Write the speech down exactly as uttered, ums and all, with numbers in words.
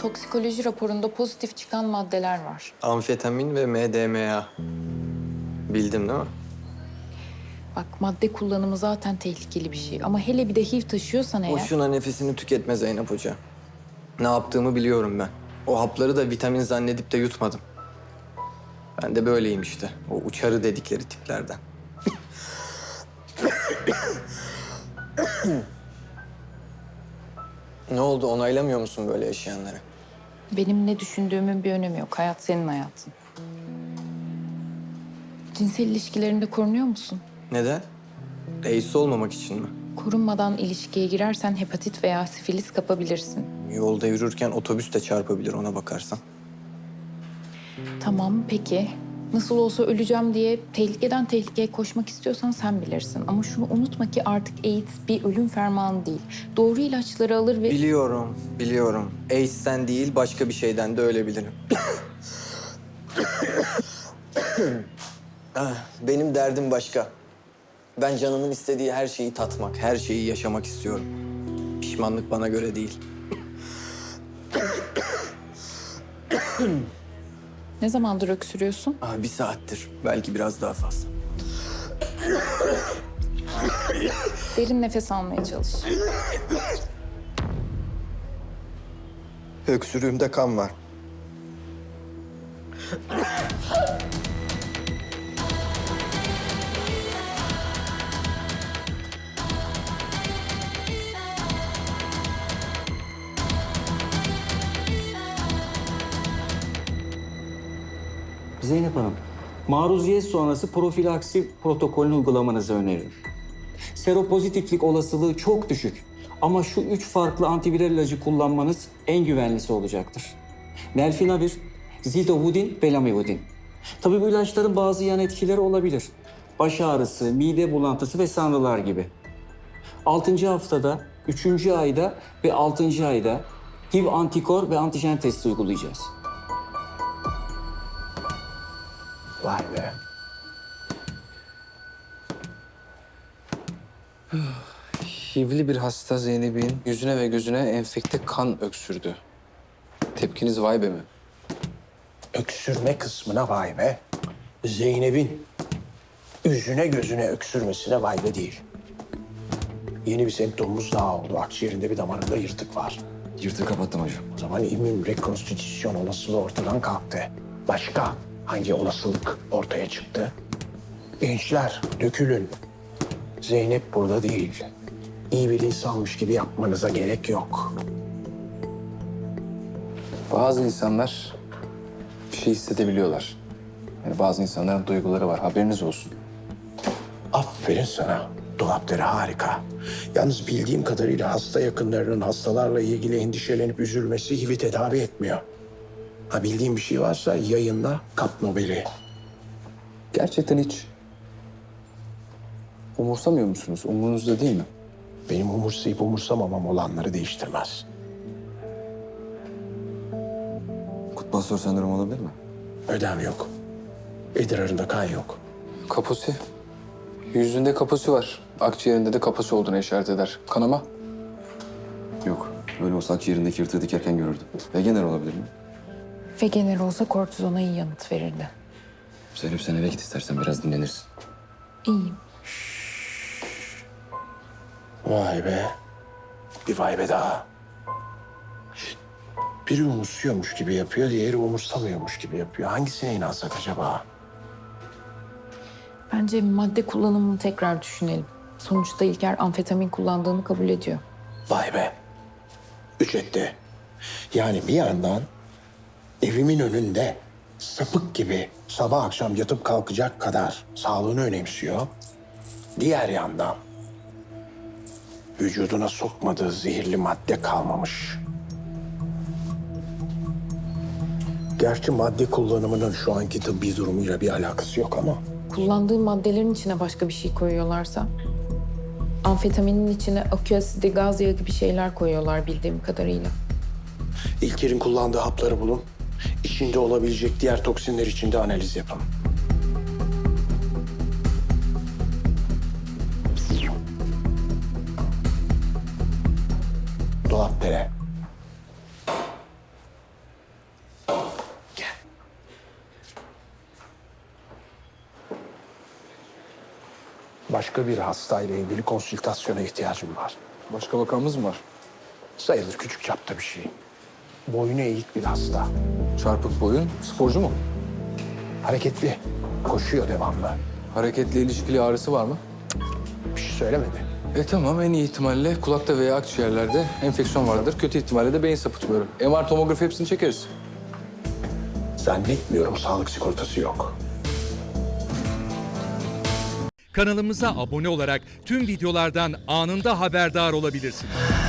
toksikoloji raporunda pozitif çıkan maddeler var. Amfetamin ve M D M A. Bildim değil mi? Bak madde kullanımı zaten tehlikeli bir şey. Ama hele bir de H I V taşıyorsan eğer... Boşuna nefesini tüketme Zeynep Hoca. Ne yaptığımı biliyorum ben. O hapları da vitamin zannedip de yutmadım. Ben de böyleyim işte. O uçarı dedikleri tiplerden. Ne oldu? Onaylamıyor musun böyle yaşayanları? Benim ne düşündüğümün bir önemi yok. Hayat senin hayatın. Cinsel ilişkilerinde korunuyor musun? Neden? AIDS olmamak için mi? Korunmadan ilişkiye girersen hepatit veya sifilis kapabilirsin. Yolda yürürken otobüs de çarpabilir ona bakarsan. Tamam peki. Nasıl olsa öleceğim diye tehlikeden tehlikeye koşmak istiyorsan sen bilirsin. Ama şunu unutma ki artık AIDS bir ölüm fermanı değil. Doğru ilaçları alır ve... Biliyorum, biliyorum. AIDS'ten değil başka bir şeyden de ölebilirim. Ah, benim derdim başka. Ben canımın istediği her şeyi tatmak, her şeyi yaşamak istiyorum. Pişmanlık bana göre değil. Ne zamandır öksürüyorsun? Ah, bir saattir, belki biraz daha fazla. Derin nefes almaya çalış. Öksürüğümde kan var. Zeynep Hanım, maruziyet sonrası profilaksi protokolünü uygulamanızı öneririm. Seropozitiflik olasılığı çok düşük ama şu üç farklı antiviral ilacı kullanmanız en güvenlisi olacaktır. Nelfinavir, zidovudin ve lamivudin. Tabii bu ilaçların bazı yan etkileri olabilir. Baş ağrısı, mide bulantısı ve sanrılar gibi. Altıncı haftada, üçüncü ayda ve altıncı ayda H I V antikor ve antijen testi uygulayacağız. Vay be. H I V'li bir hasta Zeynep'in yüzüne ve gözüne enfekte kan öksürdü. Tepkiniz vay be mi? Öksürme kısmına vay be. Zeynep'in yüzüne gözüne öksürmesine vay be değil. Yeni bir semptomumuz daha oldu. Akciğerinde bir damarında yırtık var. Yırtığı kapattım hocam. O zaman immün rekonstitüsyon olasılığı ortadan kalktı. Başka hangi olasılık ortaya çıktı? Gençler dökülün. Zeynep burada değil. İyi bir insanmış gibi yapmanıza gerek yok. Bazı insanlar bir şey hissedebiliyorlar. Yani bazı insanların duyguları var. Haberiniz olsun. Aferin sana. Dolapları harika. Yalnız bildiğim kadarıyla hasta yakınlarının hastalarla ilgili endişelenip üzülmesi H I V'i tedavi etmiyor. Ha bildiğin bir şey varsa yayınla, kap Nobel'i. Gerçekten hiç umursamıyor musunuz? Umurunuzda değil mi? Benim umursayıp umursamamam olanları değiştirmez. Kutbastör sendromu olabilir mi? Ödem yok. İdrarında kan yok. Kaposi. Yüzünde kaposi var. Akciğerinde de kaposi olduğunu işaret eder. Kanama? Yok. Öyle olsa akciğerindeki yırtığı dikerken görürdüm. Vegener olabilir mi? Ve genel olsa kortizona iyi yanıt verirdi. Zeynep sen eve git istersen biraz dinlenirsin. İyiyim. Vay be. Bir vay be daha. Biri umursuyormuş gibi yapıyor, diğeri umursamıyormuş gibi yapıyor. Hangisine inansak acaba? Bence madde kullanımını tekrar düşünelim. Sonuçta İlker amfetamin kullandığını kabul ediyor. Vay be. Üç etti. Yani bir yandan evimin önünde sapık gibi sabah akşam yatıp kalkacak kadar sağlığını önemsiyor. Diğer yandan vücuduna sokmadığı zehirli madde kalmamış. Gerçi madde kullanımının şu anki tıbbi durumuyla bir alakası yok ama Kullandığı maddelerin içine başka bir şey koyuyorlarsa... Amfetaminin içine akü asidi, gaz yağı gibi şeyler koyuyorlar bildiğim kadarıyla. İlker'in kullandığı hapları bulun. İçinde olabilecek diğer toksinler için de analiz yapın. Dolapdere. Başka bir hastayla ilgili konsültasyona ihtiyacım var. Başka vakamız mı var? Sayılır küçük çapta bir şey. Boynu eğik bir hasta. Çarpık boyun. Sporcu mu? Hareketli. Koşuyor devamlı. Hareketle ilişkili ağrısı var mı? Bir şey söylemedi. E tamam, en iyi ihtimalle kulakta veya akciğerlerde enfeksiyon vardır. Kötü ihtimalle de beyin sapıtmıyorum. M R, tomografi hepsini çekeriz. Zannetmiyorum, sağlık sigortası yok. Kanalımıza abone olarak tüm videolardan anında haberdar olabilirsiniz.